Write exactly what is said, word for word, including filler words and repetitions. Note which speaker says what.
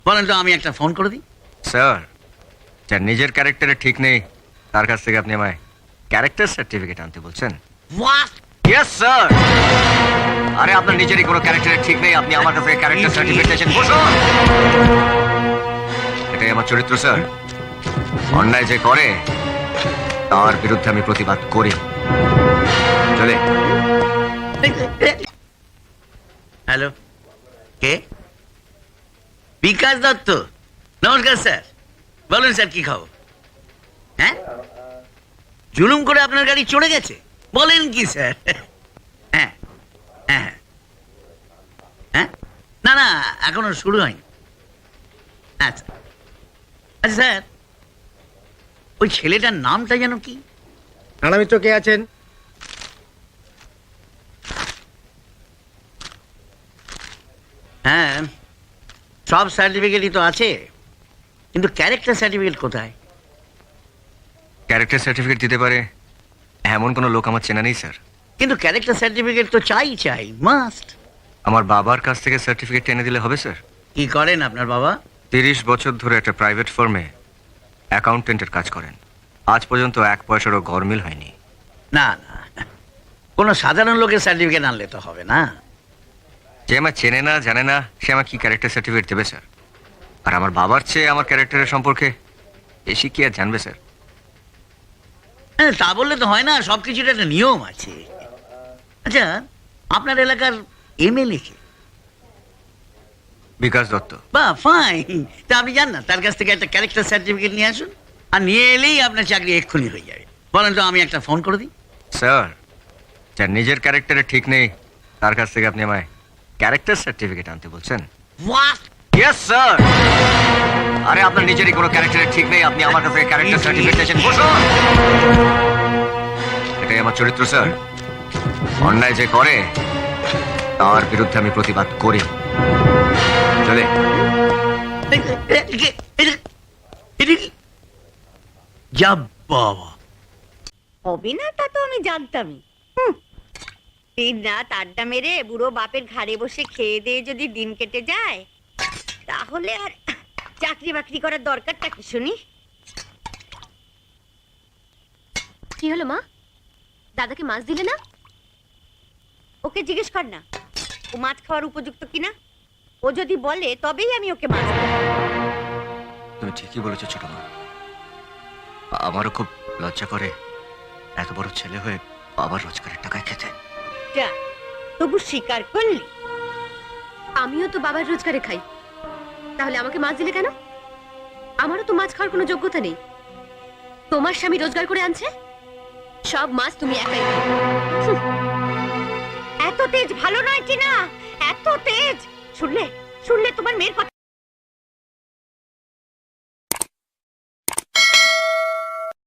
Speaker 1: বলেন তো আমি একটা ফোন করে দিই।
Speaker 2: স্যার, যার নিজের ক্যারেক্টারে ঠিক নেই তার কাছ থেকে আপনি আমায় ক্যারেক্টার সার্টিফিকেট আনতে বলছেন?
Speaker 1: What?
Speaker 2: Yes sir. আরে আপনার নিজেরই কোনো ক্যারেক্টারে ঠিক নেই, আপনি আমার কাছে ক্যারেক্টার সার্টিফিকেট চাইছেন? বসুন। এটাই আমার চরিত্র স্যার। অন্যায় যে করে তার বিরুদ্ধে আমি প্রতিবাদ করি। চলে।
Speaker 1: হ্যালো, কে? বিকাশ দত্ত। নমস্কার স্যার, বলুন স্যার কি খবর? হ্যাঁ, জুলুম করে আপনার গাড়ি চড়ে গেছে? বলেন কি স্যার? হ্যাঁ হ্যাঁ হ্যাঁ, না না এখনো শুরু হয়নি। আচ্ছা আচ্ছা স্যার, ওই ছেলেটার নামটা যেন কি?
Speaker 3: রানামিত্র কে আছেন?
Speaker 1: হ্যাঁ, সব সার্টিফিকেটই তো আছে, কিন্তু ক্যারেক্টার সার্টিফিকেট কোথায়?
Speaker 2: ক্যারেক্টার সার্টিফিকেট দিতে পারে এমন কোনো লোক আমার চেনা নেই স্যার।
Speaker 1: কিন্তু ক্যারেক্টার সার্টিফিকেট তো চাই চাই মাস্ট।
Speaker 2: আমার বাবার কাছ থেকে সার্টিফিকেট এনে দিলে হবে স্যার?
Speaker 1: কি করেন আপনার বাবা?
Speaker 2: তিরিশ বছর ধরে একটা প্রাইভেট ফার্মে অ্যাকাউন্টেন্টের কাজ করেন। আজ পর্যন্ত এক পয়সারও গরমিল হয়নি।
Speaker 1: না না, কোনো সাধারণ লোকের সার্টিফিকেট আনলে তো হবে না।
Speaker 2: যে আমার চেনে না জানে না সে আমার কি ক্যারেক্টার সার্টিফিকেট দেবে স্যার? আর আমার বাবার চেয়ে আমার ক্যারেক্টারের সম্পর্কে বেশি কি আর জানবে স্যার?
Speaker 1: হ্যাঁ, তা বললে তো হয় না, সব কিছুর একটা নিয়ম আছে। আচ্ছা, আপনার এলাকার এমএলএ কে?
Speaker 2: বিকাশ দত্ত।
Speaker 1: বা ফাইন, তা আপনি যান না তার কাছ থেকে একটা ক্যারেক্টার সার্টিফিকেট নিয়ে আসুন, আর নিয়ে এলেই আপনার চাকরি এক্ষুনি হয়ে যাবে। বলেন তো আমি একটা ফোন করে দিই।
Speaker 2: স্যার, যার নিজের ক্যারেক্টারে ঠিক নেই তার কাছ থেকে আপনি আমায় ক্যারেক্টার সার্টিফিকেট আনতে বলছেন?
Speaker 1: What?
Speaker 2: Yes sir. আরে আপনার নিজেরই কোনো ক্যারেক্টারে ঠিক নেই, আপনি আমার কাছে ক্যারেক্টার সার্টিফিকেট চাইছেন? বসুন। এটাই আমার চরিত্র স্যার। অন্যায় যে করে তার বিরুদ্ধে আমি প্রতিবাদ করি। চলে।
Speaker 1: যা বাবা,
Speaker 4: হবে না তা তো আমি জানতামই। হুম, দিন রাত আড্ডা মেরে বুড়ো বাপের ঘাড়ে বসে খেয়ে দিয়ে যদি দিন কেটে যায়, তাহলে আর চাকরি বাকরি করার দরকারটা কি শুনি?
Speaker 5: কি হলো মা? দাদাকে মাছ দিলে না?
Speaker 4: ওকে জিজ্ঞেস কর না ও মাছ খাওয়ার উপযুক্ত কিনা। ও যদি বলে তবেই আমি ওকে মাছ দেব।
Speaker 2: তুমি ঠিকই বলেছো ছোট মা। আমারও খুব লজ্জা করে এত বড় ছেলে হয়ে বাবার রোজগারের টাকায় খেতে।
Speaker 4: যা, তবু স্বীকার করলি।
Speaker 5: আমিও তো বাবার রোজগারে খাই, তাহলে আমাকে মাছ দিলে কেন? আমারও তো মাছ খাওয়ার কোনো যোগ্যতা নেই। তোমার স্বামী রোজগার করে আনছে, সব মাছ তুমি একাই খাও। হুঁ,
Speaker 4: এত তেজ ভালো নয় কি না, এত তেজ। শুনলে শুনলে তোমার মেয়ের কথা